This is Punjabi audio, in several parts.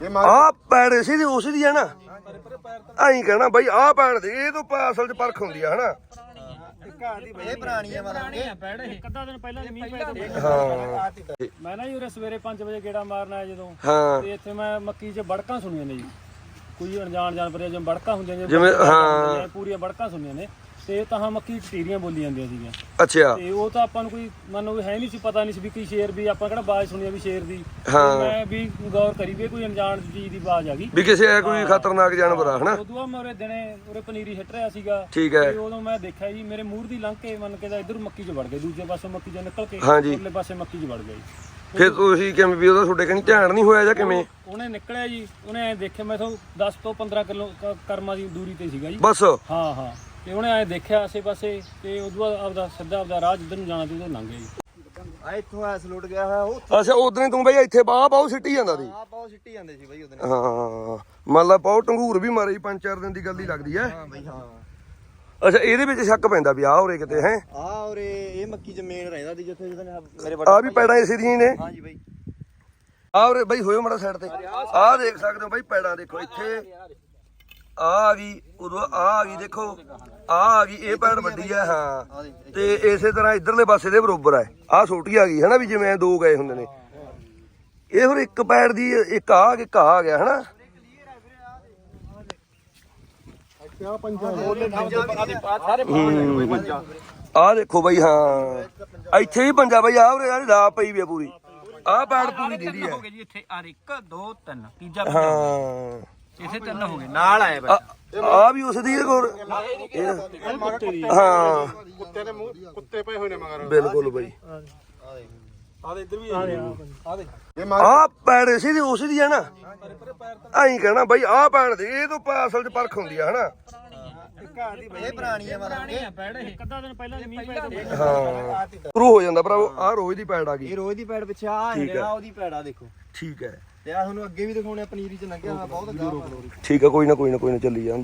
ਆ ਪੈੜ ਇਸੇ ਦੀ ਉਸੇ ਦੀ ਹੈ ਨਾ ਐਂ ਕਹਿਣਾ ਬਾਈ ਆ ਪੈੜ ਦੇ ਇਹ ਤੋਂ ਅਸਲ ਚ ਪਰਖ ਹੁੰਦੀ ਆ ਹਨਾ ਇਹ ਪੁਰਾਣੀ ਆ ਮਤਲਬ ਪੈੜ ਇੱਕ ਅੱਧਾ ਦਿਨ ਪਹਿਲਾਂ ਮੀਂਹ ਪਿਆ ਹਾਂ ਮੈਂ ਨਾ ਜੀ ਉਰੇ ਸਵੇਰੇ 5 ਵਜੇ ਗੇੜਾ ਮਾਰਨ ਆਇਆ ਜਦੋਂ ਹਾਂ ਤੇ ਇੱਥੇ ਮੈਂ ਮੱਕੀ 'ਚ ਬੜਕਾਂ ਸੁਣੀਆਂ ਨੇ ਜੀ ਕੋਈ ਅਣਜਾਣ ਜਾਨਵਰ ਜਿਵੇਂ ਬੜਕਾਂ ਹੁੰਦੀਆਂ ਨੇ ਜਿਵੇਂ ਹਾਂ ਪੂਰੀਆਂ ਬੜਕਾਂ ਸੁਣੀਆਂ ਨੇ ਤੇ ਤਾਂ ਮੱਕੀ ਟਟੀਰੀਆਂ ਬੋਲੀ ਜਾਂਦੀਆਂ ਸੀਗੀਆਂ ਅੱਛਾ ਤੇ ਉਹ ਤਾਂ ਆਪਾਂ ਨੂੰ ਕੋਈ ਮੰਨੋ ਵੀ ਹੈ ਨਹੀਂ ਸੀ ਪਤਾ ਨਹੀਂ ਸੀ ਵੀ ਕੀ ਸ਼ੇਰ ਵੀ ਆਪਾਂ ਕਿਹੜਾ ਆਵਾਜ਼ ਸੁਣੀ ਆ ਵੀ ਸ਼ੇਰ ਦੀ ਹਾਂ ਮੈਂ ਵੀ ਗੌਰ ਕਰੀ ਵੀ ਕੋਈ ਅਣਜਾਣ ਚੀਜ਼ ਦੀ ਆਵਾਜ਼ ਆ ਗਈ ਵੀ ਕਿਸੇ ਕੋਈ ਖਤਰਨਾਕ ਜਾਨਵਰ ਆ ਹਨਾ ਉਦੋਂ ਮੈਂ ਉਰੇ ਦਿਨੇ ਉਰੇ ਪਨੀਰੀ ਹਿੱਟ ਰਿਹਾ ਸੀਗਾ ਠੀਕ ਹੈ ਤੇ ਉਦੋਂ ਮੈਂ ਦੇਖਿਆ ਜੀ ਮੇਰੇ ਮੂੰਹ ਦੀ ਲੰਘ ਕੇ ਮੰਨ ਕੇ ਦਾ ਇਧਰ ਮੱਕੀ 'ਚ ਵੜ ਗਏ ਦੂਜੇ ਪਾਸੇ ਮੱਕੀ 'ਚ ਨਿਕਲ ਕੇ ਹਾਂਜੀ ਉਰਲੇ ਪਾਸੇ ਮੱਕੀ 'ਚ ਵੜ ਗਏ ਫਿਰ ਤੁਸੀਂ ਕਿਵੇਂ ਵੀ ਉਹਦਾ ਤੁਹਾਡੇ ਕਹੀਂ ਧਿਆਨ ਨਹੀਂ ਹੋਇਆ ਜਾਂ ਕਿਵੇਂ ਉਹਨੇ ਨਿਕਲਿਆ ਜੀ ਉਹਨੇ ਐ ਦੇਖਿਆ ਮੈਂ ਤੋਂ 10 ਤੋਂ 15 ਕਿਲੋ ਕਰਮਾਂ ਦੀ ਦੂਰੀ ਤੇ ਸੀਗਾ ਜੀ ਬਸ ਹਾਂ ਹਾਂ ਤੇ ਉਹਨੇ ਐ ਦੇਖਿਆ ਆਸੇ ਪਾਸੇ ਤੇ ਉਦੋਂ ਬਾਅਦ ਆਪਦਾ ਸਿੱਧਾ ਰਾਹ ਜਿੱਧਰ ਨੂੰ ਜਾਣਾ ਤੇ ਉਧਰ ਲੰਘ ਗਿਆ ਜੀ ਆ ਇੱਥੋਂ ਐਸ ਲੁੱਟ ਗਿਆ ਹੋਇਆ ਉਹ ਅੱਛਾ ਉਦੋਂ ਤੂੰ ਬਾਈ ਇੱਥੇ ਬਾਹ ਪਾਉ ਸਿੱਟੀ ਜਾਂਦਾ ਸੀ ਆ ਬਹੁਤ ਸਿੱਟੀ ਜਾਂਦੇ ਸੀ ਬਾਈ ਉਹਦੇ ਹਾਂ ਮੰਨ ਲਾ ਪਾਉ ਟੰਗੂਰ ਵੀ ਮਾਰੇ 5-4 ਦਿਨ ਦੀ ਗੱਲ ਹੀ ਲੱਗਦੀ ਐ ਹਾਂ ਬਾਈ ਹਾਂ ਅੱਛਾ ਇਹਦੇ ਵਿੱਚ ਸ਼ੱਕ ਪੈਂਦਾ ਵੀ ਆ ਉਰੇ ਕਿਤੇ ਹੈ ਆ ਔਰੇ ਇਹ ਮੱਕੀ ਜ਼ਮੀਨ ਰਹਿੰਦਾ ਸੀ ਜਿੱਥੇ ਮੇਰੇ ਆ ਵੀ ਪੈੜਾਂ ਇਸੇ ਦੀਆਂ ਹੀ ਨੇ ਹਾਂ ਜੀ ਬਾਈ ਆ ਉਰੇ ਬਾਈ ਹੋਇਓ ਮਾੜਾ ਸਾਈਡ ਤੇ ਆਹ ਦੇਖ ਸਕਦੇ ਹੋ ਬਾਈ ਪੈੜਾਂ ਦੇਖੋ ਇੱਥੇ ਆ ਗਈ ਉਦੋਂ ਆ ਗਈ ਦੇਖੋ ਆ ਗਈ ਇਹ ਪੈੜ ਵੱਡੀ ਹੈ ਹਾਂ ਤੇ ਇਸੇ ਤਰ੍ਹਾਂ ਇਧਰਲੇ ਪਾਸੇ ਦੇ ਬਰੋਬਰ ਹੈ ਆ ਛੋਟੀ ਆ ਗਈ ਹਨਾ ਵੀ ਜਿਵੇਂ ਦੋ ਗਏ ਹੁੰਦੇ ਨੇ ਇਹ ਫਿਰ ਇੱਕ ਪੈੜ ਦੀ ਇੱਕ ਆ ਗਿਆ ਹਨਾ ਆ ਦੇਖੋ ਬਾਈ ਹਾਂ ਇੱਥੇ ਵੀ ਪੰਜਾ ਬਾਈ ਆ ਉਰੇ ਯਾਰ ਲਾ ਪਈ ਵੀ ਆ ਪੂਰੀ ਆ ਪੈੜ ਪੂਰੀ ਦੀਦੀ ਹੈ ਜੀ ਇੱਥੇ ਆ 1 2 3 ਤੀਜਾ ਹਾਂ ਇਸੇ ਤਿੰਨ ਹੋ ਗਏ ਨਾਲ ਆਏ ਆ ਵੀ ਉਸ ਦੀ ਕੋਲ ਹਾਂ ਕੁੱਤੇ ਦੇ ਮੂੰਹ ਕੁੱਤੇ ਪਏ ਹੋਏ ਨੇ ਮਗਰ ਬਿਲਕੁਲ ਬਾਈ ਆ ਦੇ ਇੱਧਰ ਵੀ ਆ ਦੇ ਆ ਪੈੜ ਇਸੇ ਦੀ ਉਸ ਦੀ ਹੈ ਨਾ ਐਂ ਕਹਿਣਾ ਬਾਈ ਆ ਪੈੜ ਦੇ ਇਹ ਤੋਂ ਅਸਲ ਚ ਪਰਖ ਹੁੰਦੀ ਆ ਹਨਾ ਇਹ ਪੁਰਾਣੀ ਆ ਮਤਲਬ ਪੈੜ ਇੱਕ ਅੱਧਾ ਦਿਨ ਪਹਿਲਾਂ ਮੀਂਹ ਪਿਆ ਹਾਂ ਸ਼ੁਰੂ ਹੋ ਜਾਂਦਾ ਭਰਾਵੋ ਆ ਰੋਜ਼ ਦੀ ਪੈੜ ਆ ਗਈ ਇਹ ਰੋਜ਼ ਦੀ ਪੈੜ ਪਿੱਛੇ ਆ ਹੈਗਾ ਉਹਦੀ ਪੈੜਾ ਦੇਖੋ ਠੀਕ ਹੈ ਤੇ ਆ ਤੁਹਾਨੂੰ ਅੱਗੇ ਵੀ ਦਿਖਾਉਣੇ ਪਨੀਰੀ ਚ ਲੰਘਿਆ ਹੋਇਆ ਬਹੁਤ ਗਾਹ ਠੀਕ ਹੈ ਕੋਈ ਨਾ ਚੱਲੀ ਜਾਂਦੇ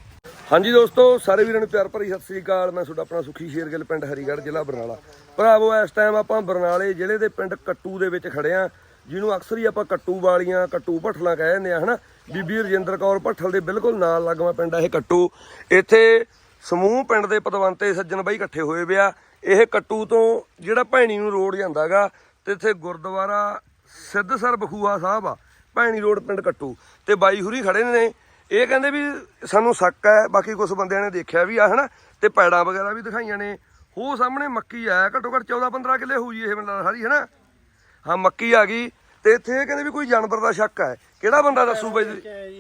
ਹਾਂਜੀ ਦੋਸਤੋ ਸਾਰੇ ਵੀਰਾਂ ਨੂੰ ਪਿਆਰ ਭਰੀ ਸਤਿ ਸ੍ਰੀ ਅਕਾਲ ਮੈਂ ਤੁਹਾਡਾ ਆਪਣਾ ਸੁਖੀ ਸ਼ੇਰਗਿੱਲ ਪਿੰਡ ਹਰੀਗੜ੍ਹ ਜ਼ਿਲ੍ਹਾ ਬਰਨਾਲਾ ਭਰਾਵੋ ਇਸ ਟਾਈਮ ਆਪਾਂ ਬਰਨਾਲੇ ਜ਼ਿਲ੍ਹੇ ਦੇ ਪਿੰਡ ਕੱਟੂ ਦੇ ਵਿੱਚ ਖੜੇ ਆ ਜਿਹਨੂੰ ਅਕਸਰ ਹੀ ਆਪਾਂ ਕੱਟੂ ਵਾਲੀਆਂ ਕੱਟੂ ਭੱਠਲਾਂ ਕਹਿ ਦਿੰਦੇ ਆ ਹਨਾ ਬੀਬੀ ਰਜਿੰਦਰ ਕੌਰ ਭੱਠਲ ਦੇ ਬਿਲਕੁਲ ਨਾਲ ਲੱਗਵਾ ਪਿੰਡ ਆ ਇਹ ਕੱਟੂ ਇੱਥੇ ਸਮੂਹ ਪਿੰਡ ਦੇ ਪਤਵੰਤੇ ਸੱਜਣ ਬਾਈ ਇਕੱਠੇ ਹੋਏ ਪਿਆ ਇਹ ਕੱਟੂ ਤੋਂ ਜਿਹੜਾ ਭੈਣੀ ਨੂੰ ਰੋਡ ਜਾਂਦਾਗਾ ਤੇ ਇੱਥੇ ਗੁਰਦੁਆਰਾ ਸਿੱਧਸਰ ਬਖੂਆ ਸਾਹਿਬ ਆ ਭੈਣੀ ਰੋਡ ਪਿੰਡ ਕੱਟੂ ਤੇ ਬਾਈ ਹੁਰੀ ਖੜੇ ਨੇ ਇਹ ਕਹਿੰਦੇ ਵੀ ਸਾਨੂੰ ਸ਼ੱਕ ਹੈ ਬਾਕੀ ਕੁਝ ਬੰਦਿਆਂ ਨੇ ਦੇਖਿਆ ਵੀ ਆ ਹਨਾ ਤੇ ਪੈੜਾਂ ਵਗੈਰਾ ਵੀ ਦਿਖਾਈਆਂ ਨੇ ਉਹ ਸਾਹਮਣੇ ਮੱਕੀ ਆ ਘੱਟੋ ਘੱਟ 14-15 ਕਿੱਲੇ ਹੋਈ ਇਹ ਬੰਦਾ ਸਾਰੀ ਹਨਾ ਹਾਂ ਮੱਕੀ ਆ ਗਈ ਤੇ ਇੱਥੇ ਇਹ ਕਹਿੰਦੇ ਵੀ ਕੋਈ ਜਾਨਵਰ ਦਾ ਸ਼ੱਕ ਹੈ ਕਿਹੜਾ ਬੰਦਾ ਦੱਸੂ ਬਾਈ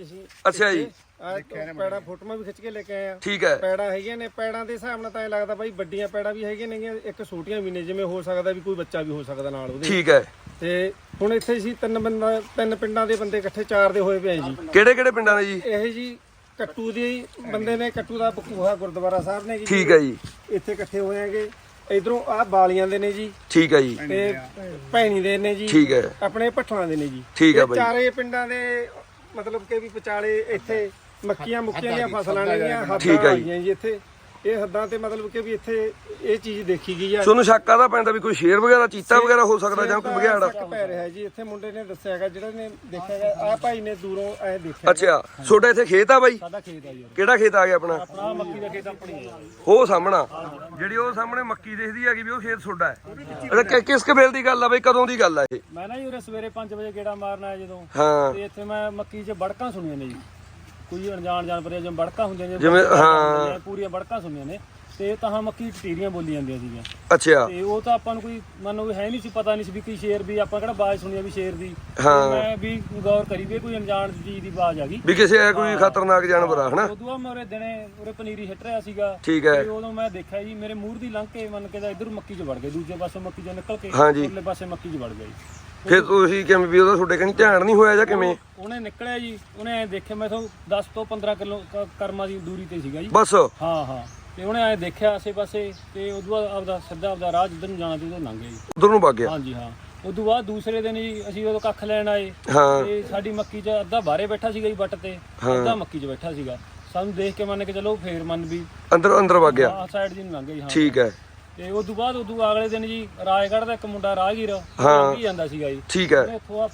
ਅੱਛਾ ਜੀ ਪੈੜਾ ਫੋਟੋਆਂ ਵੀ ਖਿੱਚ ਕੇ ਲੈ ਕੇ ਆਏ ਆ ਠੀਕ ਹੈ ਪੈੜਾ ਹੈਗੀਆਂ ਨੇ ਪੈੜਾਂ ਦੇ ਹਿਸਾਬ ਨਾਲ ਤਾਂ ਇਹ ਲੱਗਦਾ ਬਾਈ ਵੱਡੀਆਂ ਪੈੜਾਂ ਵੀ ਹੈਗੀਆਂ ਨੇ ਇੱਕ ਛੋਟੀਆਂ ਵੀ ਨੇ ਜਿਵੇਂ ਹੋ ਸਕਦਾ ਵੀ ਕੋਈ ਬੱਚਾ ਵੀ ਹੋ ਸਕਦਾ ਨਾਲ ਉਹਦੇ ਠੀਕ ਹੈ ਤੇ ਹੁਣ ਇੱਥੇ ਸੀ ਤਿੰਨ ਪਿੰਡਾਂ ਦੇ ਬੰਦੇ ਇਕੱਠੇ 4 ਦੇ ਹੋਏ ਪਏ ਜੀ ਕਿਹੜੇ ਪਿੰਡਾਂ ਦੇ ਜੀ ਇਹ ਜੀ ਕੱਟੂ ਦੇ ਬੰਦੇ ਨੇ ਕੱਟੂ ਦਾ ਬਕੂਹਾ ਗੁਰਦੁਆਰਾ ਸਾਹਿਬ ਨੇ ਜੀ ਠੀਕ ਹੈ ਜੀ ਇੱਥੇ ਇਕੱਠੇ ਹੋਏ ਆਂਗੇ ਇਧਰੋਂ ਆ ਬਾਲੀਆਂ ਦੇ ਨੇ ਜੀ ਠੀਕ ਹੈ ਜੀ ਤੇ ਭੈਣੀ ਦੇ ਨੇ ਜੀ ਠੀਕ ਹੈ ਆਪਣੇ ਭੱਠਲਾਂ ਦੇ ਨੇ ਜੀ ਠੀਕ ਹੈ ਇਹ ਬਾਈ ਚਾਰੇ ਪਿੰਡਾਂ ਦੇ ਮਤਲਬ ਕਿ ਵੀ ਵਿਚਾਲੇ ਇੱਥੇ ਮੱਕੀਆਂ ਮੁੱਕੀਆਂ ਦੀਆਂ ਫਸਲਾਂ ਨੇਗੀਆਂ ਠੀਕ ਹੱਦਾਂ ਹੈ ਜੀ। ਆਈਆਂ ਜੀ ਇੱਥੇ ਇਹ ਹੱਦਾਂ ਤੇ ਮਤਲਬ ਕਿ ਵੀ ਇੱਥੇ ਇਹ ਚੀਜ਼ ਦੇਖੀ ਗਈ ਆ ਤੁਹਾਨੂੰ ਸ਼ੱਕ ਆਦਾ ਪੈਂਦਾ ਵੀ ਕੋਈ ਸ਼ੇਰ ਵਗੈਰਾ ਚੀਤਾ ਵਗੈਰਾ ਹੋ ਸਕਦਾ ਜਾਂ ਕੋਈ ਬਘਿਆੜ ਸ਼ੱਕ ਪੈ ਰਿਹਾ ਜੀ ਇੱਥੇ ਮੁੰਡੇ ਨੇ ਦੱਸਿਆ ਹੈਗਾ ਜਿਹੜਾ ਨੇ ਦੇਖਿਆ ਹੈਗਾ ਆ ਭਾਈ ਨੇ ਦੂਰੋਂ ਐ ਦੇਖਿਆ ਅੱਛਾ ਤੁਹਾਡਾ ਇੱਥੇ ਖੇਤ ਆ ਬਾਈ ਸਾਡਾ ਖੇਤ ਆ ਜੀ ਕਿਹੜਾ ਖੇਤ ਆ ਗਿਆ ਆਪਣਾ ਆਪਣਾ ਮੱਕੀ ਦਾ ਖੇਤ ਆਪਣੀ ਹੈ ਉਹ ਸਾਹਮਣਾ ਜਿਹੜੀ ਉਹ ਸਾਹਮਣੇ ਮੱਕੀ ਦਿਖਦੀ ਹੈਗੀ ਵੀ ਉਹ ਖੇਤ ਤੁਹਾਡਾ ਹੈ ਅੱਛਾ ਕਿਸ ਕਬੀਲ ਦੀ ਗੱਲ ਆ ਬਈ ਕਦੋਂ ਦੀ ਗੱਲ ਆ ਇਹ ਮੈਂ ਨਾ ਜੀ ਉਰੇ ਸਵੇਰੇ 5 ਵਜੇ ਗੇੜਾ ਮਾਰਨ ਆਇਆ ਜਦੋਂ ਹਾਂ ਤੇ ਇੱਥੇ ਮੈਂ ਮੱਕੀ 'ਚ ਬੜਕਾਂ ਸੁਣੀਆਂ ਨੇ ਜੀ ਕੋਈ ਅਣਜਾਣ ਜਾਨਵਰ ਜਿਵੇਂ ਬੜਕਾਂ ਹੁੰਦੀਆਂ ਨੇ ਜਿਵੇਂ ਹਾਂ ਪੂਰੀਆਂ ਬੜਕਾਂ ਸੁਣੀਆਂ ਨੇ ਤੇ ਤਾਂ ਮੱਕੀ ਟਟੀਰੀਆਂ ਬੋਲੀ ਜਾਂਦੀਆਂ ਸੀਗੀਆਂ ਅੱਛਾ ਤੇ ਉਹ ਤਾਂ ਆਪਾਂ ਨੂੰ ਕੋਈ ਮੰਨੋ ਵੀ ਹੈ ਨਹੀਂ ਸੀ ਪਤਾ ਨਹੀਂ ਸੀ ਵੀ ਕੀ ਸ਼ੇਰ ਵੀ ਆਪਾਂ ਕਿਹੜਾ ਆਵਾਜ਼ ਸੁਣੀ ਆ ਵੀ ਸ਼ੇਰ ਦੀ ਹਾਂ ਮੈਂ ਵੀ ਗੌਰ ਕਰੀ ਵੀ ਕੋਈ ਅਣਜਾਣ ਚੀਜ਼ ਦੀ ਆਵਾਜ਼ ਆ ਗਈ ਵੀ ਕਿਸੇ ਕੋਈ ਖਤਰਨਾਕ ਜਾਨਵਰ ਆ ਹਨਾ ਉਦੋਂ ਬਾਅਦ ਮੈਂ ਉਰੇ ਦਿਨੇ ਉਰੇ ਪਨੀਰੀ ਹਿੱਟ ਰਿਹਾ ਸੀਗਾ ਠੀਕ ਹੈ ਤੇ ਉਦੋਂ ਮੈਂ ਦੇਖਿਆ ਜੀ ਮੇਰੇ ਮੂੰਹ ਦੀ ਲੰਘ ਕੇ ਮੰਨ ਕੇ ਦਾ ਇਧਰ ਮੱਕੀ 'ਚ ਵੜ ਗਏ ਦੂਜੇ ਪਾਸੇ ਮੱਕੀ 'ਚੋਂ ਨਿਕਲ ਕੇ ਹਾਂਜੀ ਉਰਲੇ ਪਾਸੇ ਮੱਕੀ 'ਚ ਵੜ ਗਏ ਫਿਰ ਤੁਸੀਂ ਕਿਵੇਂ ਵੀ ਉਹਦਾ ਤੁਹਾਡੇ ਕਹੀਂ ਧਿਆਨ ਨਹੀਂ ਹੋਇਆ ਜਾਂ ਕਿਵੇਂ ਉਹਨੇ ਨਿਕਲਿਆ ਜੀ ਉਹਨੇ ਐ ਦੇਖਿਆ ਮੈਂ ਤੋਂ 10 ਤੋਂ 15 ਕਿਲੋ ਕਰਮਾਂ ਦੀ ਦੂਰੀ ਤੇ ਸੀਗਾ ਜੀ ਬਸ ਹਾਂ ਹਾਂ ਤੇ ਉਹਨੇ ਐ ਦੇਖਿਆ ਆਸੇ ਪਾਸੇ ਤੇ ਉਦੋਂ ਬਾਅਦ ਆਪਦਾ ਰਾਹ ਜਿੱਧਰ ਨੂੰ ਜਾਣਾ ਤੇ ਉਧਰ ਲੰਘ ਗਿਆ ਜੀ ਉਧਰ ਨੂੰ ਵਗ ਗਿਆ ਹਾਂਜੀ ਹਾਂ ਉਦੋਂ ਬਾਅਦ ਦੂਸਰੇ ਦਿਨ ਜੀ ਅਸੀਂ ਉਦੋਂ ਕੱਖ ਲੈਣ ਆਏ ਹਾਂ ਤੇ ਸਾਡੀ ਮੱਕੀ 'ਚ ਅੱਧਾ ਬਾਹਰੇ ਬੈਠਾ ਸੀਗਾ ਜੀ ਵੱਟ ਤੇ ਅੱਧਾ ਮੱਕੀ 'ਚ ਬੈਠਾ ਸੀਗਾ ਸਾਨੂੰ ਦੇਖ ਕੇ ਮੰਨ ਕੇ ਚਲੋ ਫੇਰ ਮੰਨ ਵੀ ਅੰਦਰ ਵਗ ਗਿਆ ਆਹ ਸਾਈਡ ਜੀ ਨੂੰ ਲੰਘ ਗਿਆ ਜੀ ਹਾਂ ਠੀਕ ਹੈ ਤੇ ਉਦੋਂ ਬਾਅਦ ਅਗਲੇ ਦਿਨ ਜੀ ਰਾਜਗੜ੍ਹ ਦਾ ਇੱਕ ਮੁੰਡਾ ਰਾਹਗੀਰ ਹਾਂ ਲੰਘੀ ਜਾਂਦਾ ਸੀਗਾ ਜੀ ਠੀਕ ਹੈ ਉਹਨੇ ਇੱਥੋਂ ਆਪਣੇ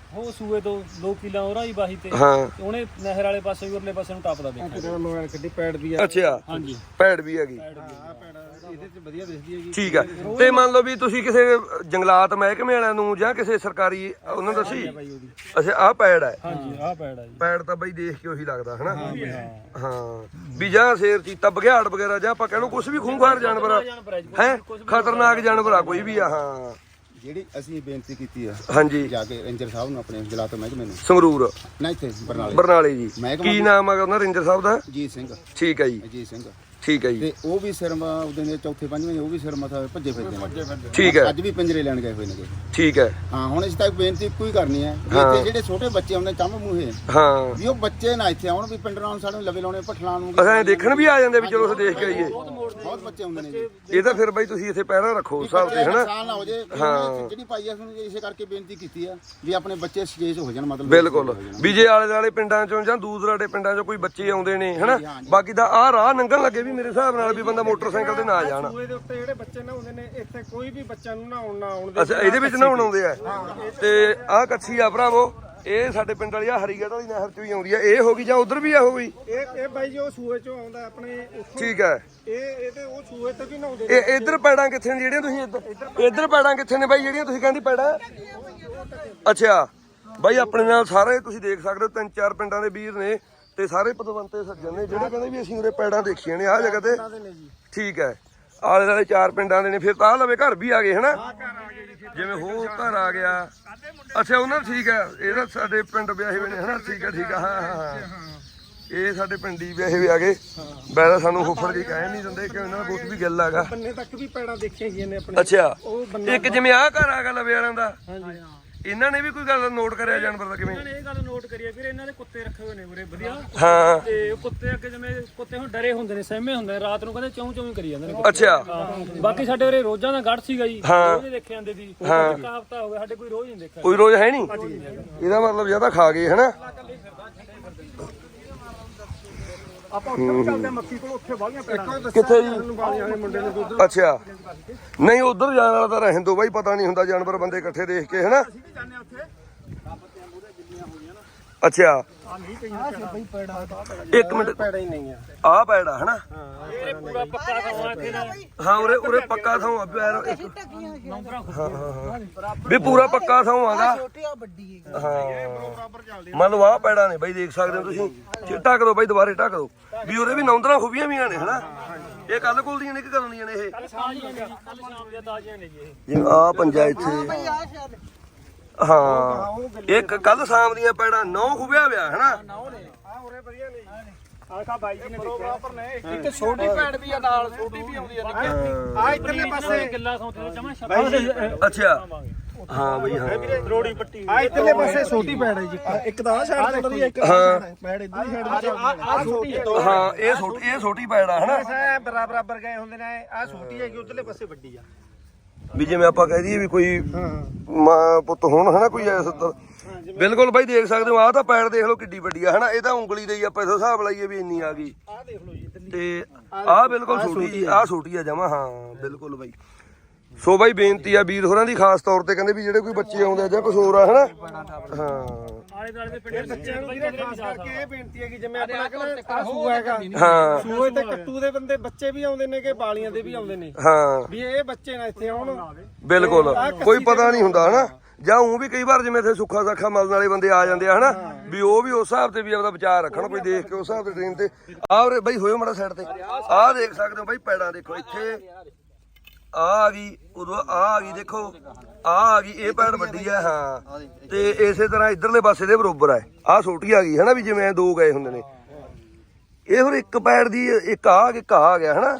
ਉਹ ਸੂਏ ਤੋਂ 2 ਕਿੱਲਾ ਉਹਰਾ ਹੀ ਬਾਹੀ ਤੇ ਹਾਂ ਉਹਨੇ ਨਹਿਰ ਵਾਲੇ ਪਾਸੇ ਵੀ ਉਰਲੇ ਪਾਸੇ ਨੂੰ ਟੱਪਦਾ ਦੇਖਿਆ ਤੇਰਾ ਮੋਬਾਈਲ ਕੱਢੀ ਪੈਡ ਵੀ ਆ ਅੱਛਾ ਹਾਂਜੀ ਪੈੜ ਵੀ ਹੈਗੀ ਆ ਪੈਡ ਇਹਦੇ ਚ ਵਧੀਆ ਦਿਸਦੀ ਹੈਗੀ ਠੀਕ ਹੈ ਤੇ ਮੰਨ ਲਓ ਵੀ ਤੁਸੀਂ ਕਿਸੇ ਜੰਗਲਾਤ ਮਹਿਕਮੇ ਵਾਲਿਆਂ ਨੂੰ ਜਾਂ ਕਿਸੇ ਸਰਕਾਰੀ ਉਹਨਾਂ ਨੂੰ ਦੱਸੀ ਅੱਛਾ ਆਹ ਪੈੜ ਹੈ ਹਾਂਜੀ ਆਹ ਪੈੜ ਆ ਜੀ ਪੈੜ ਤਾਂ ਬਈ ਦੇਖ ਕੇ ਉਹੀ ਲੱਗਦਾ ਹਨਾ ਹਾਂ ਵੀ ਜਾਂ ਸ਼ੇਰ ਚੀਤਾ ਬਘਿਆੜ ਵਗੈਰਾ ਜਾਂ ਆਪਾਂ ਕਹਿਣੋ ਕੁਝ ਵੀ ਖੂੰਖਾਰ ਜਾਨਵਰ ਹੈ ਖਤਰਨਾਕ ਜਾਨਵਰ ਆ ਕੋਈ ਵੀ ਆ ਹਾਂ ਜਿਹੜੀ ਅਸੀਂ ਬੇਨਤੀ ਕੀਤੀ ਆ ਹਾਂਜੀ ਜਾ ਕੇ ਰੇਂਜਰ ਸਾਹਿਬ ਨੂੰ ਆਪਣੇ ਜਲਾਤ ਮਹਿਕਮੇ ਨੂੰ ਸੰਗਰੂਰ ਨਾ ਇੱਥੇ ਬਰਨਾਲੇ ਬਰਨਾਲੇ ਜੀ ਮਹਿਕਮਾ ਕੀ ਨਾਮ ਹੈ ਉਹਨਾਂ ਰੇਂਜਰ ਸਾਹਿਬ ਦਾ ਅਜੀਤ ਸਿੰਘ ਠੀਕ ਹੈ ਜੀ ਅਜੀਤ ਸਿੰਘ ਠੀਕ ਹੈ ਜੀ ਤੇ ਉਹ ਵੀ ਸਿਰਮਾ ਉਹਦੇ ਨੇ ਚੌਥੇ ਪੰਜਵੇਂ ਉਹ ਵੀ ਸਿਰ ਮਥਾ ਭੱਜੇ ਫਿਰਦੇ ਨੇ ਠੀਕ ਹੈ ਅੱਜ ਵੀ ਪਿੰਜਰੇ ਲੈਣ ਗਏ ਹੋਏ ਨੇ ਠੀਕ ਹੈ ਹਾਂ ਹੁਣ ਇਸ ਤੱਕ ਬੇਨਤੀ ਇੱਕੋ ਹੀ ਕਰਨੀ ਹੈ ਵੀ ਇੱਥੇ ਜਿਹੜੇ ਛੋਟੇ ਬੱਚੇ ਆਉਂਦੇ ਚੰਮ ਮੂਹੇ ਹਾਂ ਵੀ ਉਹ ਬੱਚੇ ਨਾ ਇੱਥੇ ਆਉਣ ਵੀ ਪਿੰਡਰਾਂ ਨੂੰ ਸਾਡੇ ਲਵੇ ਲਾਉਣੇ ਭੱਠਲਾਂ ਨੂੰ ਅਸਾਂ ਦੇਖਣ ਵੀ ਆ ਜਾਂਦੇ ਵੀ ਚਲੋ ਅਸੀਂ ਦੇਖ ਕੇ ਆਈਏ ਬਹੁਤ ਬੱਚੇ ਆਉਂਦੇ ਨੇ ਜੀ ਇਹ ਤਾਂ ਫਿਰ ਬਈ ਤੁਸੀਂ ਇੱਥੇ ਪਹਿਰਾ ਰੱਖੋ ਉਸ ਹਿਸਾਬ ਤੇ ਹਨਾ ਨੁਕਸਾਨ ਨਾ ਹੋ ਜੇ ਹਾਂ ਜਿਹੜੀ ਪਾਈ ਆ ਤੁਹਾਨੂੰ ਇਸੇ ਕਰਕੇ ਬੇਨਤੀ ਕੀਤੀ ਆ ਵੀ ਆਪਣੇ ਬੱਚੇ ਸਜੇਜ ਹੋ ਜਾਣ ਮਤਲਬ ਬਿਲਕੁਲ ਵੀ ਜੇ ਆਲੇ ਦੁਆਲੇ ਪਿੰਡਾਂ ਚੋਂ ਜਾਂ ਦੂਰ ਦਰਾਡੇ ਪਿੰਡਾਂ ਚੋਂ ਕੋਈ ਬੱਚੇ ਆਉਂਦੇ ਨੇ ਹਨਾ ਬਾਕੀ ਦਾ ਆਹ ਰਾਹ ਲੰਘਣ ਲੱਗੇ ਵੀ ਮੇਰੇ ਹਿਸਾਬ ਨਾਲ ਵੀ ਬੰਦਾ ਮੋਟਰਸਾਈਕਲ ਤੇ ਨਾ ਜਾਣ ਸੂਏ ਦੇ ਉੱਤੇ ਜਿਹੜੇ ਬੱਚੇ ਨਹਾਉਂਦੇ ਨੇ ਇੱਥੇ ਕੋਈ ਵੀ ਬੱਚਾ ਨੂੰ ਨਹਾਉਣ ਨਾ ਆਉਣ ਦੇ ਅੱਛਾ ਇਹਦੇ ਵਿੱਚ ਨਹਾਉਣ ਆਉਂਦੇ ਆ ਤੇ ਆਹ ਕੱਛੀ ਆ ਭਰਾਵੋ ਇਹ ਸਾਡੇ ਪਿੰਡ ਵਾਲੀ ਆ ਹਰੀਗੜ੍ਹ ਵਾਲੀ ਨਹਿਰ ਚ ਵੀ ਆਉਂਦੀ ਆ ਇਹ ਹੋ ਗਈ ਜਾਂ ਉਧਰ ਵੀ ਆ ਹੋ ਗਈ ਇਹ ਬਾਈ ਜੀ ਉਹ ਸੂਏ ਚੋਂ ਆਉਂਦਾ ਆਪਣੇ ਉੱਥੋਂ ਠੀਕ ਹੈ ਇਹ ਤੇ ਉਹ ਸੂਏ ਤੇ ਵੀ ਨਹਾਉਂਦੇ ਇਹ ਇੱਧਰ ਪੈੜਾਂ ਕਿੱਥੇ ਨੇ ਜਿਹੜੀਆਂ ਤੁਸੀਂ ਇੱਧਰ ਪੈੜਾਂ ਕਿੱਥੇ ਨੇ ਬਾਈ ਜਿਹੜੀਆਂ ਤੁਸੀਂ ਕਹਿੰਦੀ ਪੈੜਾਂ ਅੱਛਾ ਬਾਈ ਆਪਣੇ ਨਾਲ ਸਾਰੇ ਤੁਸੀਂ ਦੇਖ ਸਕਦੇ ਹੋ 3-4 ਪਿੰਡਾਂ ਦੇ ਵੀਰ ਨੇ ਤੇ ਸਾਰੇ ਪਤਵੰਤੇ ਸੱਜਣ ਨੇ ਜਿਹੜੇ ਕਹਿੰਦੇ ਵੀ ਅਸੀਂ ਉਰੇ ਪੈੜਾਂ ਦੇਖੀਆਂ ਨੇ ਆਹ ਜਗ੍ਹਾ ਤੇ ਠੀਕ ਹੈ ਆਲੇ ਦੁਆਲੇ 4 ਪਿੰਡਾਂ ਦੇ ਨੇ ਫਿਰ ਤਾਂ ਲਵੇ ਘਰ ਵੀ ਆ ਗਏ ਹਨਾ ਜਿਵੇਂ ਹੋਰ ਘਰ ਆ ਗਿਆ ਅੱਛਾ ਉਹਨਾਂ ਠੀਕ ਹੈ ਇਹਦਾ ਸਾਡੇ ਪਿੰਡ ਵਿਆਹੇ ਹੋਏ ਨੇ ਹਨਾ ਠੀਕ ਹੈ ਹਾਂ ਇਹ ਸਾਡੇ ਪਿੰਡੀ ਵਿਆਹੇ ਵੀ ਆ ਗਏ ਵੈਸੇ ਸਾਨੂੰ ਫੁੱਫੜ ਜੀ ਕਹਿ ਨਹੀਂ ਦਿੰਦੇ ਕਿ ਇਹਨਾਂ ਦਾ ਬਹੁਤ ਵੀ ਗੱਲ ਹੈਗਾ ਬੰਨੇ ਤੱਕ ਵੀ ਪੈੜਾਂ ਦੇਖੀਆਂ ਗਈਆਂ ਨੇ ਆਪਣੇ ਅੱਛਾ ਉਹ ਬੰਨਾ ਇੱਕ ਜਿਵੇਂ ਆਹ ਘਰ ਆ ਗਿਆ ਲਵੇ ਵਾਲਿਆਂ ਦਾ ਹਾਂਜੀ ਇਹਨਾਂ ਨੇ ਵੀ ਕੋਈ ਗੱਲ ਨੋਟ ਕਰਿਆ ਜਾਨਵਰ ਦਾ ਕਿਵੇਂ ਇਹਨਾਂ ਨੇ ਇਹ ਗੱਲ ਨੋਟ ਕਰੀ ਆ ਵੀਰ ਇਹਨਾਂ ਦੇ ਕੁੱਤੇ ਰੱਖੇ ਹੋਏ ਨੇ ਉਰੇ ਵਧੀਆ ਹਾਂ ਤੇ ਉਹ ਕੁੱਤੇ ਅੱਗੇ ਜਿਵੇਂ ਕੁੱਤੇ ਹੁਣ ਡਰੇ ਹੁੰਦੇ ਨੇ ਸਹਿਮੇ ਹੁੰਦੇ ਨੇ ਰਾਤ ਨੂੰ ਕਹਿੰਦੇ ਚੌਂ ਚੌਂ ਕਰੀ ਜਾਂਦੇ ਨੇ ਅੱਛਾ ਬਾਕੀ ਸਾਡੇ ਉਰੇ ਰੋਜ਼ਾਂ ਦਾ ਗੜ ਸੀਗਾ ਜੀ ਰੋਜ਼ ਹੀ ਦੇਖੇ ਜਾਂਦੇ ਸੀ ਇੱਕ ਹਫ਼ਤਾ ਹੋ ਗਿਆ ਸਾਡੇ ਕੋਈ ਰੋਜ਼ ਨਹੀਂ ਦੇਖਿਆ ਕੋਈ ਰੋਜ਼ ਹੈ ਨਹੀਂ ਇਹਦਾ ਮਤਲਬ ਜਿਆਦਾ ਖਾ ਗਏ ਹਨਾ ਆਪਾਂ ਉੱਥੇ ਚੱਲਦੇ ਮੱਕੀ ਕੋਲ ਉੱਥੇ ਵਾਲੀਆਂ ਪੈੜਾਂ ਕਿੱਥੇ ਜੀ ਵਾਲੀਆਂ ਵਾਲੇ ਮੁੰਡੇ ਨੇ ਦੁੱਧ ਅੱਛਾ ਨਹੀਂ ਉਧਰ ਜਾਣ ਵਾਲਾ ਤਾਂ ਰਹਿਣ ਦੋ ਬਾਈ ਪਤਾ ਨਹੀਂ ਹੁੰਦਾ ਜਾਨਵਰ ਬੰਦੇ ਇਕੱਠੇ ਦੇਖ ਕੇ ਹਨਾ ਅਸੀਂ ਵੀ ਜਾਂਦੇ ਆ ਉੱਥੇ ਅੱਛਾ ਇੱਕ ਮਿੰਟ ਪੈੜਾ ਹੀ ਨਹੀਂ ਆ ਆਹ ਪੈੜਾ ਹਨਾ ਇਹ ਪੂਰਾ ਪੱਕਾ ਖਾਵਾ ਇੱਥੇ ਦਾ ਹਾਂ ਉਰੇ ਪੱਕਾ ਥਾਂ ਆ ਪੈਰ ਵੀ ਪੂਰਾ ਪੱਕਾ ਥਾਂ ਆਗਾ ਹਾਂ ਮੰਨ ਲਓ ਆਹ ਪੈੜਾ ਨੇ ਬਾਈ ਦੇਖ ਸਕਦੇ ਹੋ ਤੁਸੀਂ ਢੱਕ ਦੋ ਬਾਈ ਦੁਬਾਰੇ ਢੱਕ ਦੋ ਵੀ ਉਰੇ ਵੀ ਨੌਂਦਰਾਂ ਖੂਬੀਆਂ ਵੀ ਨੇ ਹਨਾ ਇਹ ਕੱਲ ਕੋਲ ਦੀਆਂ ਨੇ ਕਿ ਕਦੋਂ ਦੀਆਂ ਨੇ ਇਹ ਕੱਲ ਸ਼ਾਮ ਦੀਆਂ ਤਾਜ਼ੀਆਂ ਨੇ ਜੀ ਇਹ ਜਿਵੇਂ ਆਹ ਪੰਜਾ ਇੱਥੇ ਹਾਂ ਇੱਕ ਕੱਲ ਸ਼ਾਮ ਦੀਆਂ ਪੈੜਾਂ 9 ਖੁਬਿਆ ਵਿਆ ਹਨਾ ਆ ਉਰੇ ਵਧੀਆ ਨਹੀਂ ਆਖਾ ਬਾਈ ਜੀ ਨੇ ਦੇਖਿਆ ਇੱਕ ਛੋਟੀ ਪੈੜ ਵੀ ਆ ਨਾਲ ਛੋਟੀ ਵੀ ਆਉਂਦੀ ਆ ਆ ਇੱਧਰਲੇ ਪਾਸੇ ਕਿੱਲਾ ਸੌਂਤੇ ਦੇ ਜਮਾ ਸ਼ਬਦ ਅੱਛਾ ਹਾਂ ਬਈ ਹਾਂ ਰੋੜੀ ਪੱਟੀ ਆ ਇੱਧਰਲੇ ਪਾਸੇ ਛੋਟੀ ਪੈੜ ਹੈ ਜੀ ਇੱਕ ਤਾਂ ਆ ਸਾਈਡ ਤੇ ਵਧੀਆ ਇੱਕ ਪੈੜ ਇੱਧਰਲੀ ਸਾਈਡ ਆ ਛੋਟੀ ਹੈ ਹਾਂ ਇਹ ਛੋਟੀ ਪੈੜਾ ਹਨਾ ਐ ਬਰਾਬਰ ਗਏ ਹੁੰਦੇ ਨੇ ਆ ਛੋਟੀ ਹੈਗੀ ਉਧਰਲੇ ਪਾਸੇ ਵੱਡੀ ਆ ਵੀ ਜਿਵੇਂ ਆਪਾਂ ਕਹਿ ਦਈਏ ਵੀ ਕੋਈ ਮਾਂ ਪੁੱਤ ਹੋਣ ਹਨਾ ਕੋਈ ਐਸਾ ਬਿਲਕੁਲ ਬਾਈ ਦੇਖ ਸਕਦੇ ਹੋ ਆਹ ਤਾਂ ਪੈੜ ਦੇਖ ਲਓ ਕਿੱਡੀ ਵੱਡੀ ਆ ਹਨਾ ਇਹ ਤਾਂ ਉਂਗਲੀ ਦੇ ਹੀ ਆਪਾਂ ਇਸ ਹਿਸਾਬ ਲਾਈਏ ਵੀ ਇੰਨੀ ਆ ਗਈ ਆ ਦੇਖ ਲਓ ਜੀ ਤੇ ਆਹ ਬਿਲਕੁਲ ਛੋਟੀ ਆਹ ਛੋਟੀ ਆ ਜਮਾ ਹਾਂ ਬਿਲਕੁਲ ਬਾਈ ਸੋ ਬਾਈ ਬੇਨਤੀ ਆ ਵੀਰ ਹੋਰਾਂ ਦੀ ਖਾਸ ਤੌਰ ਤੇ ਕਹਿੰਦੇ ਵੀ ਜਿਹੜੇ ਕੋਈ ਬੱਚੇ ਆਉਂਦੇ ਆ ਜਾਂ ਕੁਝ ਹੋਰ ਆ ਹਨਾ ਹਾਂ ਆਲੇ ਦੁਆਲੇ ਦੇ ਪਿੰਡ ਬੱਚਿਆਂ ਨੂੰ ਵੀਰੇ ਖਾਸ ਕਰਕੇ ਇਹ ਬੇਨਤੀ ਹੈ ਕਿ ਜਿਵੇਂ ਆਪਣਾ ਕਹਿੰਦਾ ਆ ਸੂਆ ਹੈਗਾ ਹਾਂ ਸੂਏ ਤੇ ਕੱਟੂ ਦੇ ਬੰਦੇ ਬੱਚੇ ਵੀ ਆਉਂਦੇ ਨੇ ਕਿ ਬਾਲੀਆਂ ਦੇ ਵੀ ਆਉਂਦੇ ਨੇ ਹਾਂ ਵੀ ਇਹ ਬੱਚੇ ਨਾ ਇੱਥੇ ਆਉਣ ਬਿਲਕੁਲ ਕੋਈ ਪਤਾ ਨਹੀਂ ਹੁੰਦਾ ਹਨਾ ਜਾਂ ਉਹ ਵੀ ਕਈ ਵਾਰ ਜਿਵੇਂ ਇੱਥੇ ਸੁੱਖਾ ਸਾਖਾ ਮਲਣ ਵਾਲੇ ਬੰਦੇ ਆ ਜਾਂਦੇ ਆ ਹਨਾ ਵੀ ਉਹ ਵੀ ਉਸ ਹਿਸਾਬ ਤੇ ਵੀ ਆਪਦਾ ਵਿਚਾਰ ਰੱਖਣ ਕੋਈ ਦੇਖ ਕੇ ਉਸ ਹਿਸਾਬ ਤੇ ਟ੍ਰੇਨ ਤੇ ਆਹ ਬਈ ਹੋਇਓ ਮਾੜਾ ਸਾਈਡ ਤੇ ਆਹ ਦੇਖ ਸਕਦੇ ਹੋ ਬਾਈ ਪੈੜਾਂ ਦੇਖੋ ਇੱਥੇ ਆ ਗਈ ਉਦੋਂ ਆ ਗਈ ਦੇਖੋ ਆ ਗਈ ਇਹ ਪੈੜ ਵੱਡੀ ਆ ਹਾਂ ਤੇ ਇਸੇ ਤਰ੍ਹਾਂ ਇਧਰਲੇ ਪਾਸੇ ਦੇ ਬਰੋਬਰ ਆ ਆਹ ਛੋਟੀ ਆ ਗਈ ਹਨਾ ਵੀ ਜਿਵੇਂ ਦੋ ਗਏ ਹੁੰਦੇ ਨੇ ਇਹ ਹੋਰ ਇੱਕ ਪੈੜ ਦੀ ਇੱਕ ਆ ਗਿਆ ਹਨਾ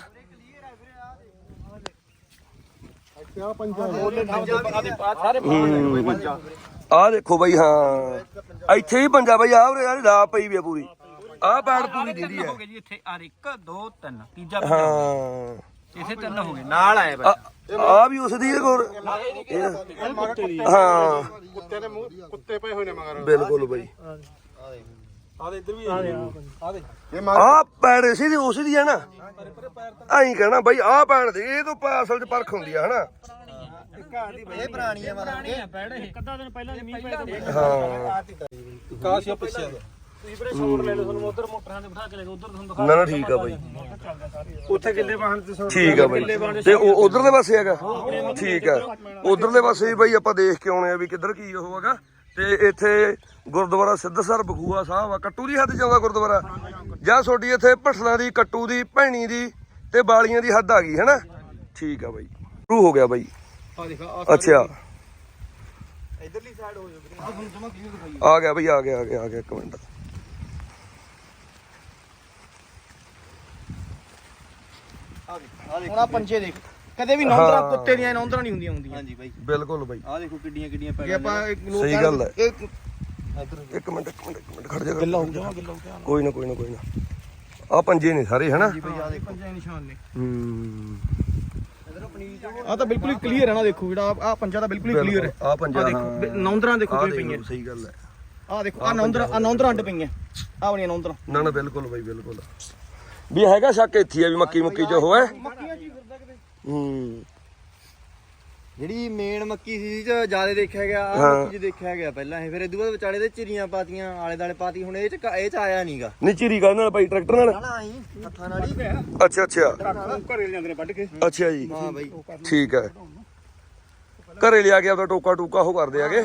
ਆ ਦੇਖੋ ਬਾਈ ਹਾਂ ਇੱਥੇ ਹੀ ਪੰਜਾ ਬਾਈ ਆਹ ਯਾਰ ਲਾ ਪਈ ਵੀ ਆ ਪੂਰੀ ਆਹ ਪੈੜ ਪੂਰੀ ਦੀਦੀ ਹੈ ਜੀ ਇੱਥੇ ਆ 1 2 3 ਤੀਜਾ ਹਾਂ ਇੱਥੇ 3 ਹੋ ਗਏ ਨਾਲ ਆਏ ਆ ਵੀ ਉਸ ਦੀ ਹੋਰ ਹਾਂ ਕੁੱਤੇ ਦੇ ਮੂੰਹ ਕੁੱਤੇ ਪਏ ਹੋਏ ਨੇ ਮਗਰ ਬਿਲਕੁਲ ਬਾਈ ਆ ਦੇ ਇੱਧਰ ਵੀ ਆ ਦੇ ਆ ਪੈੜ ਇਸੇ ਦੀ ਉਸ ਦੀ ਹੈ ਨਾ ਐਂ ਕਹਿਣਾ ਬਾਈ ਆ ਪੈੜ ਦੇ ਇਹ ਤੋਂ ਅਸਲ ਚ ਪਰਖ ਹੁੰਦੀ ਆ ਹਨਾ ਇਹ ਪੁਰਾਣੀ ਆ ਪੈੜ ਇਹ ਇੱਕ ਅੱਧਾ ਦਿਨ ਪਹਿਲਾਂ ਮੀਂਹ ਪਿਆ ਹਾਂ ਕਾਸ਼ ਆ ਪਿੱਛੇ ਤੁਸੀਂ ਵੀਰੇ ਸ਼ੋਰ ਲੈ ਲਓ ਤੁਹਾਨੂੰ ਉਧਰ ਮੋਟਰਾਂ ਤੇ ਬਿਠਾ ਕੇ ਲੈ ਜਾਓ ਉਧਰ ਤੁਹਾਨੂੰ ਦਿਖਾ ਨਾ ਨਾ ਠੀਕ ਆ ਬਾਈ ਉੱਥੇ ਕਿੱਲੇ ਵਾਹਨ ਤੇ ਠੀਕ ਆ ਬਾਈ ਤੇ ਉਹ ਉਧਰਲੇ ਪਾਸੇ ਹੈਗਾ ਠੀਕ ਆ ਉਧਰਲੇ ਪਾਸੇ ਵੀ ਬਾਈ ਆਪਾਂ ਦੇਖ ਕੇ ਆਉਣੇ ਆ ਵੀ ਕਿੱਧਰ ਕੀ ਉਹ ਹੈਗਾ ਤੇ ਇੱਥੇ ਗੁਰਦੁਆਰਾ ਸਿੱਧਸਰ ਬਖੂਆ ਸਾਹਿਬ ਆ ਕੱਟੂ ਦੀ ਹੱਦ ਜਾਂਦਾ ਗੁਰਦੁਆਰਾ ਜਾਂ ਛੋਟੀ ਇੱਥੇ ਭਠਲਾਂ ਦੀ ਕੱਟੂ ਦੀ ਭੈਣੀ ਦੀ ਤੇ ਬਾਲੀਆਂ ਦੀ ਹੱਦ ਆ ਗਈ ਹੈਨਾ ਠੀਕ ਆ ਬਾਈ ਸ਼ੁਰੂ ਹੋ ਗਿਆ ਬਾਈ ਅੱਛਾ ਇਧਰਲੀ ਸਾਈਡ ਹੋ ਜਾਊਗੀ ਆ ਗਿਆ ਬਾਈ ਆ ਗਿਆ ਇੱਕ ਮਿੰਟ ਹੁਣ ਆ ਪੰਜੇ ਦੇਖ ਕਦੇ ਵੀ ਨੌਂਦਰਾਂ ਕੁੱਤੇ ਦੀਆਂ ਨੌਂਦਰਾਂ ਨਹੀਂ ਹੁੰਦੀਆਂ ਹਾਂਜੀ ਬਾਈ ਬਿਲਕੁਲ ਬਾਈ ਆ ਦੇਖੋ ਕਿੱਡੀਆਂ ਪੈੜਾਂ ਆਪਾਂ ਸਹੀ ਗੱਲ ਹੈ ਇੱਕ ਮਿੰਟ ਖੜ ਜਾ ਗੱਲਾਂ ਹੋ ਗਿਆ ਕੋਈ ਨਾ ਆ ਪੰਜੇ ਨੇ ਸਾਰੇ ਹਨਾ ਜੀ ਬਾਈ ਆ ਦੇਖੋ ਪੰਜੇ ਨਿਸ਼ਾਨ ਨੇ ਹੂੰ ਆ ਤਾਂ ਬਿਲਕੁਲ ਹੀ ਕਲੀਅਰ ਹੈ ਨਾ ਦੇਖੋ ਜਿਹੜਾ ਆ ਪੰਜਾ ਤਾਂ ਬਿਲਕੁਲ ਹੀ ਕਲੀਅਰ ਹੈ ਆ ਪੰਜਾ ਹਾਂ ਨੌਂਦਰਾਂ ਦੇਖੋ ਕਿਵੇਂ ਪਈਆਂ ਸਹੀ ਗੱਲ ਹੈ ਆ ਦੇਖੋ ਆ ਨੌਂਦਰਾਂ ਅੱਡ ਪਈਆਂ ਆ ਬਣੀਆਂ ਨੌਂਦਰਾਂ ਨਾ ਬਿਲਕੁਲ ਬਾਈ ਬਿਲਕੁਲ ਵੀ ਹੈਗਾ ਸ਼ੱਕ ਇੱਥੇ ਆ ਵੀ ਮੱਕੀ ਚ ਹੋਇਆ ਮੱਕੀਆਂ ਜੀ ਫਿਰਦਾ ਕਿਤੇ ਹੂੰ ਜਿਹੜੀ ਮੇਨ ਮੱਕੀ ਸੀ ਚ ਜਿਆਦਾ ਦੇਖਿਆ ਗਿਆ ਆ ਮੱਕੀ ਚ ਦੇਖਿਆ ਗਿਆ ਪਹਿਲਾਂ ਇਹ ਫਿਰ ਇਦੋਂ ਬਾਅਦ ਵਿਚਾਲੇ ਦੇ ਚਿਰੀਆਂ ਪਾਤੀਆਂ ਆਲੇ ਦਾਲੇ ਪਾਤੀ ਹੁਣ ਇਹ ਚ ਆਇਆ ਨਹੀਂਗਾ ਨਿਚਰੀ ਗੱਲ ਨਾਲ ਬਾਈ ਟਰੈਕਟਰ ਨਾਲ ਨਾ ਆਈ ਹੱਥਾਂ ਨਾਲ ਹੀ ਅੱਛਾ ਘਰੇ ਜਾਂਦੇ ਨੇ ਵੱਢ ਕੇ ਅੱਛਾ ਜੀ ਹਾਂ ਬਾਈ ਠੀਕ ਹੈ ਘਰੇ ਲਿਆ ਕੇ ਆਪਦਾ ਟੋਕਾ ਉਹ ਕਰਦੇ ਆਗੇ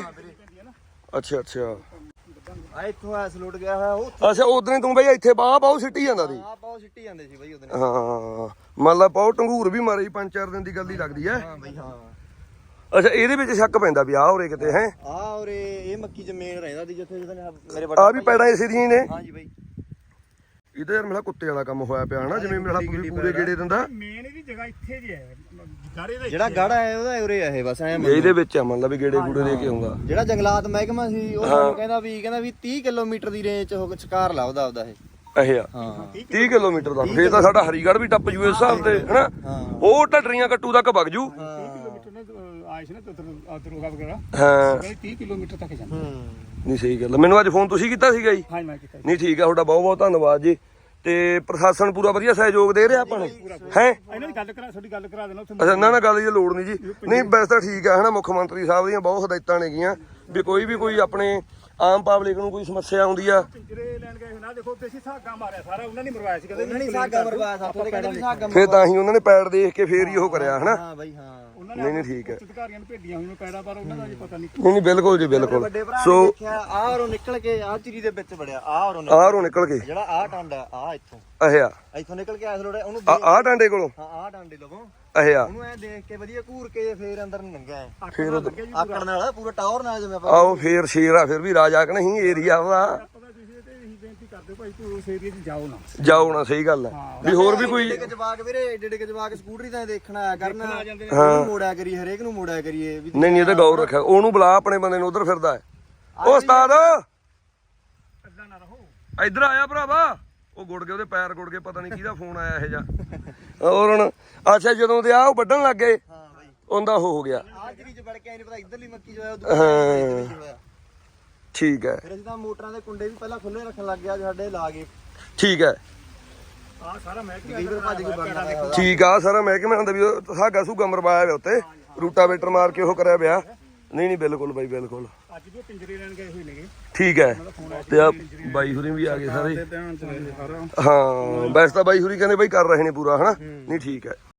ਅੱਛਾ ਆ ਇੱਥੋਂ ਐਸ ਲੋਟ ਗਿਆ ਹੋਇਆ ਉਹ ਅੱਛਾ ਉਦੋਂ ਤੂੰ ਬਾਈ ਇੱਥੇ ਬਾਹ ਸਿੱਟੀ ਜਾਂਦਾ ਸੀ ਆ ਪਾਉ ਸਿੱਟੀ ਜਾਂਦੇ ਸੀ ਬਾਈ ਉਹਦੇ ਹਾਂ ਮੰਨ ਲਾ ਪਾਉ ਟੰਗੂਰ ਵੀ ਮਾਰੇ 5-4 ਦਿਨ ਦੀ ਗੱਲ ਹੀ ਲੱਗਦੀ ਐ ਹਾਂ ਬਾਈ ਹਾਂ ਅੱਛਾ ਇਹਦੇ ਵਿੱਚ ਸ਼ੱਕ ਪੈਂਦਾ ਵੀ ਆਹ ਹੋਰੇ ਕਿਤੇ ਹੈ ਆ ਔਰ ਇਹ ਮੱਕੀ ਚ ਮੇਨ ਰਹਿੰਦਾ ਸੀ ਜਿੱਥੇ ਮੇਰੇ ਆ ਵੀ ਪੈੜਾਂ ਇਸੇ ਦੀਆਂ ਹੀ ਨੇ ਹਾਂ ਜੀ ਬਾਈ ਇਹ ਤਾਂ ਯਾਰ ਮੇਰਾ ਕੁੱਤੇ ਵਾਲਾ ਕੰਮ ਹੋਇਆ ਪਿਆ ਹਨਾ ਜਿਵੇਂ ਮੇਰਾ ਪੂਰੇ ਗੇੜੇ ਦਿੰਦਾ ਮੇਨ ਇਹਦੀ ਜਗ੍ਹਾ ਇੱਥੇ ਜੀ ਹੈ ਗਾੜੇ ਦੇ ਜਿਹੜਾ ਗਾੜਾ ਹੈ ਉਹਦਾ ਉਰੇ ਆ ਇਹ ਬਸ ਐ ਇਹਦੇ ਵਿੱਚ ਆ ਮੰਨ ਲਾ ਵੀ ਗੇੜੇ ਗੂੜੇ ਦੇ ਕੇ ਆਉਂਦਾ ਜਿਹੜਾ ਜੰਗਲਾਤ ਮਹਿਕਮਾ ਸੀ ਉਹ ਸਾਨੂੰ ਕਹਿੰਦਾ ਵੀ 30 ਕਿਲੋਮੀਟਰ ਦੀ ਰੇਂਜ ਚ ਉਹ ਸ਼ਿਕਾਰ ਲੱਭਦਾ ਉਹਦਾ ਇਹ ਇਹ ਆ ਹਾਂ 30 ਕਿਲੋਮੀਟਰ ਦਾ ਫੇਰ ਤਾਂ ਸਾਡਾ ਹਰੀਗੜ੍ਹ ਵੀ ਟੱਪ ਜੂ ਇਸ ਹਿਸਾਬ ਤੇ ਹਨਾ ਉਹ ਢੱਡਰੀਆਂ ਕੱਟੂ ਤੱਕ ਵਗ ਜੂ ਕਿਲੋਮੀਟਰ ਨੇ ਆਇਸ਼ ਨੇ ਦਰੋਗਾ ਵਗੈਰਾ ਹਾਂ 30 ਕਿਲੋਮੀਟਰ ਤੱਕ ਜਾਂਦਾ ਨਹੀਂ ਸਹੀ ਗੱਲ ਆ। ਮੈਨੂੰ ਅੱਜ ਫੋਨ ਤੁਸੀਂ ਕੀਤਾ ਸੀਗਾ ਜੀ ਹਾਂ ਮੈਂ ਕੀਤਾ ਨਹੀਂ ਠੀਕ ਆ ਤੁਹਾਡਾ ਬਹੁਤ ਧੰਨਵਾਦ ਜੀ ਤੇ ਪ੍ਰਸ਼ਾਸਨ ਪੂਰਾ ਵਧੀਆ ਸਹਿਯੋਗ ਦੇ ਰਿਹਾ ਆਪਾਂ ਨੂੰ ਹੈ ਇਹਨਾਂ ਦੀ ਗੱਲ ਕਰਾ ਤੁਹਾਡੀ ਗੱਲ ਕਰਾ ਦੇਣਾ ਉੱਥੇ ਅੱਛਾ ਨਾ ਗੱਲ ਦੀ ਲੋੜ ਨਹੀਂ ਜੀ ਨਹੀਂ ਵੈਸੇ ਤਾਂ ਠੀਕ ਆ ਹਨਾ ਮੁੱਖ ਮੰਤਰੀ ਸਾਹਿਬ ਦੀਆਂ ਬਹੁਤ ਹਦਾਇਤਾਂ ਨੇਗੀਆਂ ਵੀ ਕੋਈ ਆਪਣੇ ਆਮ ਪਬਲਿਕ ਨੂੰ ਕੋਈ ਸਮੱਸਿਆ ਆਉਂਦੀ ਆ ਪਿੰਜਰੇ ਲੈਣ ਗਏ ਨਾ ਦੇਖੋ ਤੇ ਅਸੀਂ ਸਾਗਾ ਮਾਰਿਆ ਸਾਰਾ ਉਹਨਾਂ ਨੇ ਮਰਵਾਇਆ ਸੀ ਕਦੇ ਉਹਨਾਂ ਨੇ ਸਾਗਾ ਮਰਵਾਇਆ ਸਾਥੋਂ ਕਹਿੰਦੇ ਵੀ ਸਾਗਾ ਫੇਰ ਤਾਂ ਹੀ ਉਹਨਾਂ ਨੇ ਪੈੜ ਦੇਖ ਕੇ ਫੇਰ ਹੀ ਉਹ ਕਰਿਆ ਹਨਾ ਹਾਂ ਬਾਈ ਹਾਂ ਨਹੀਂ ਠੀਕ ਹੈ ਅਧਿਕਾਰੀਆਂ ਨੂੰ ਭੇਡੀਆਂ ਹੋਈਆਂ ਪੈੜਾ ਪਰ ਉਹਨਾਂ ਦਾ ਜੀ ਪਤਾ ਨਹੀਂ ਨਹੀਂ ਬਿਲਕੁਲ ਜੀ ਬਿਲਕੁਲ ਵੱਡੇ ਭਰਾ ਸੋ ਨੇ ਦੇਖਿਆ ਆ ਔਰੋਂ ਨਿਕਲ ਕੇ ਆ ਚਿਰੀ ਦੇ ਵਿੱਚ ਵੜਿਆ ਆ ਔਰੋਂ ਆਹਰੋਂ ਨਿਕਲ ਕੇ ਜਿਹੜਾ ਆ ਟਾਂਡਾ ਆ ਇੱਥੋਂ ਅਹਿਆ ਇੱਥੋਂ ਨਿਕਲ ਕੇ ਐਸ ਲੋੜੇ ਉਹਨੂੰ ਆ ਡਾਂਡੇ ਕੋਲੋਂ ਹਾਂ ਆ ਡਾਂਡੇ ਲਵੋਂ ਅਹਿਆ ਉਹਨੂੰ ਐ ਦੇਖ ਕੇ ਵਧੀਆ ਘੂਰ ਕੇ ਫੇਰ ਅੰਦਰ ਨੂੰ ਲੰਘਿਆ ਐ ਫੇਰ ਆਕੜ ਨਾਲ ਪੂਰਾ ਟਾਵਰ ਨਾਲ ਜਿਵੇਂ ਆਪਾਂ ਆਓ ਫੇਰ ਸ਼ੇਰ ਆ ਫਿਰ ਵੀ ਰਾਜਾ ਕਿ ਨਹੀਂ ਏਰੀਆ ਵਾ ਪਤਾ ਤੁਸੀਂ ਤੇ ਇਹੀ ਬੇਨਤੀ ਕਰਦੇ ਭਾਈ ਤੂੰ ਉਸ ਏਰੀਆ 'ਚ ਜਾਓ ਨਾ ਜਾਓ ਨਾ ਸਹੀ ਗੱਲ ਹੈ ਵੀ ਹੋਰ ਵੀ ਕੋਈ ਏਡੇ ਜਵਾਕ ਵੀਰੇ ਏਡੇ ਜਵਾਕ ਸਕੂਟਰੀ ਤਾਂ ਦੇਖਣਾ ਆਇਆ ਕਰਨਾ ਉਹਨੂੰ ਮੋੜਿਆ ਕਰੀ ਹਰੇਕ ਨੂੰ ਮੋੜਿਆ ਕਰੀਏ ਵੀ ਨਹੀਂ ਇਹ ਤਾਂ ਗੌਰ ਰੱਖਿਆ ਉਹਨੂੰ ਬੁਲਾ ਆਪਣੇ ਬੰਦੇ ਨੂੰ ਉਧਰ ਫਿਰਦਾ ਹੈ ਉਹ ਉਸਤਾਦ ਅੱਲਾ ਨਾ ਰਹੋ ਇੱਧਰ ਆਇਆ ਭਰਾਵਾ ਉਹ ਗੁੜ ਗਏ ਉਹਦੇ ਪੈਰ ਗੁੜ ਗਏ ਪਤਾ ਨਹੀਂ ਕਿਹਦਾ ਫੋਨ ਆਇਆ ਇਹ ਜਾ ਹੋਰ ਹੁਣ ਅੱਛਾ ਜਦੋਂ ਦੇ ਆ ਉਹ ਵੱਢਣ ਲੱਗ ਗਏ ਹਾਂ ਬਾਈ ਉਹਦਾ ਉਹ ਹੋ ਗਿਆ ਆ ਚਿਰੀ ਚ ਵੜ ਕੇ ਆਈ ਨਹੀਂ ਪਤਾ ਇੱਧਰਲੀ ਮੱਕੀ ਜੋ ਹੈ ਉਧਰ ਠੀਕ ਹੈ ਫਿਰ ਅਸੀਂ ਤਾਂ ਮੋਟਰਾਂ ਦੇ ਕੁੰਡੇ ਵੀ ਪਹਿਲਾਂ ਖੁੱਲੇ ਰੱਖਣ ਲੱਗ ਗਿਆ ਸਾਡੇ ਲਾ ਗਏ ਠੀਕ ਹੈ ਆ ਸਾਰਾ ਮਹਿਕਮਾ ਕਈ ਵਾਰ ਭੱਜ ਕੇ ਵੜਨਾ ਪਿਆ ਠੀਕ ਆ ਸਾਰਾ ਮਹਿਕਮੇ ਹੁੰਦਾ ਵੀ ਉਹ ਸਾਗਾ ਸੂਗਾ ਮਰਵਾਇਆ ਹੋਇਆ ਉੱਤੇ ਰੂਟਾਵੇਟਰ ਮਾਰ ਕੇ ਉਹ ਕਰਿਆ ਪਿਆ ਨਹੀਂ ਬਿਲਕੁਲ ਬਾਈ ਬਿਲਕੁਲ ਅੱਜ ਵੀ ਉਹ ਪਿੰਜਰੇ ਲੈਣ ਗਏ ਹੋਏ ਨੇਗੇ ਠੀਕ ਹੈ ਤੇ ਆ ਬਾਈ ਹੁਰੀ ਵੀ ਆ ਗਏ ਸਾਰੇ ਧਿਆਨ ਚ ਲੈ ਸਾਰਾ ਹਾਂ ਵੈਸੇ ਤਾਂ ਬਾਈ ਹੁਰੀ ਕਹਿੰਦੇ ਬਾਈ ਕਰ ਰਹੇ ਨੇ ਪੂਰਾ ਹਨਾ ਨਹੀਂ ਠੀਕ ਹੈ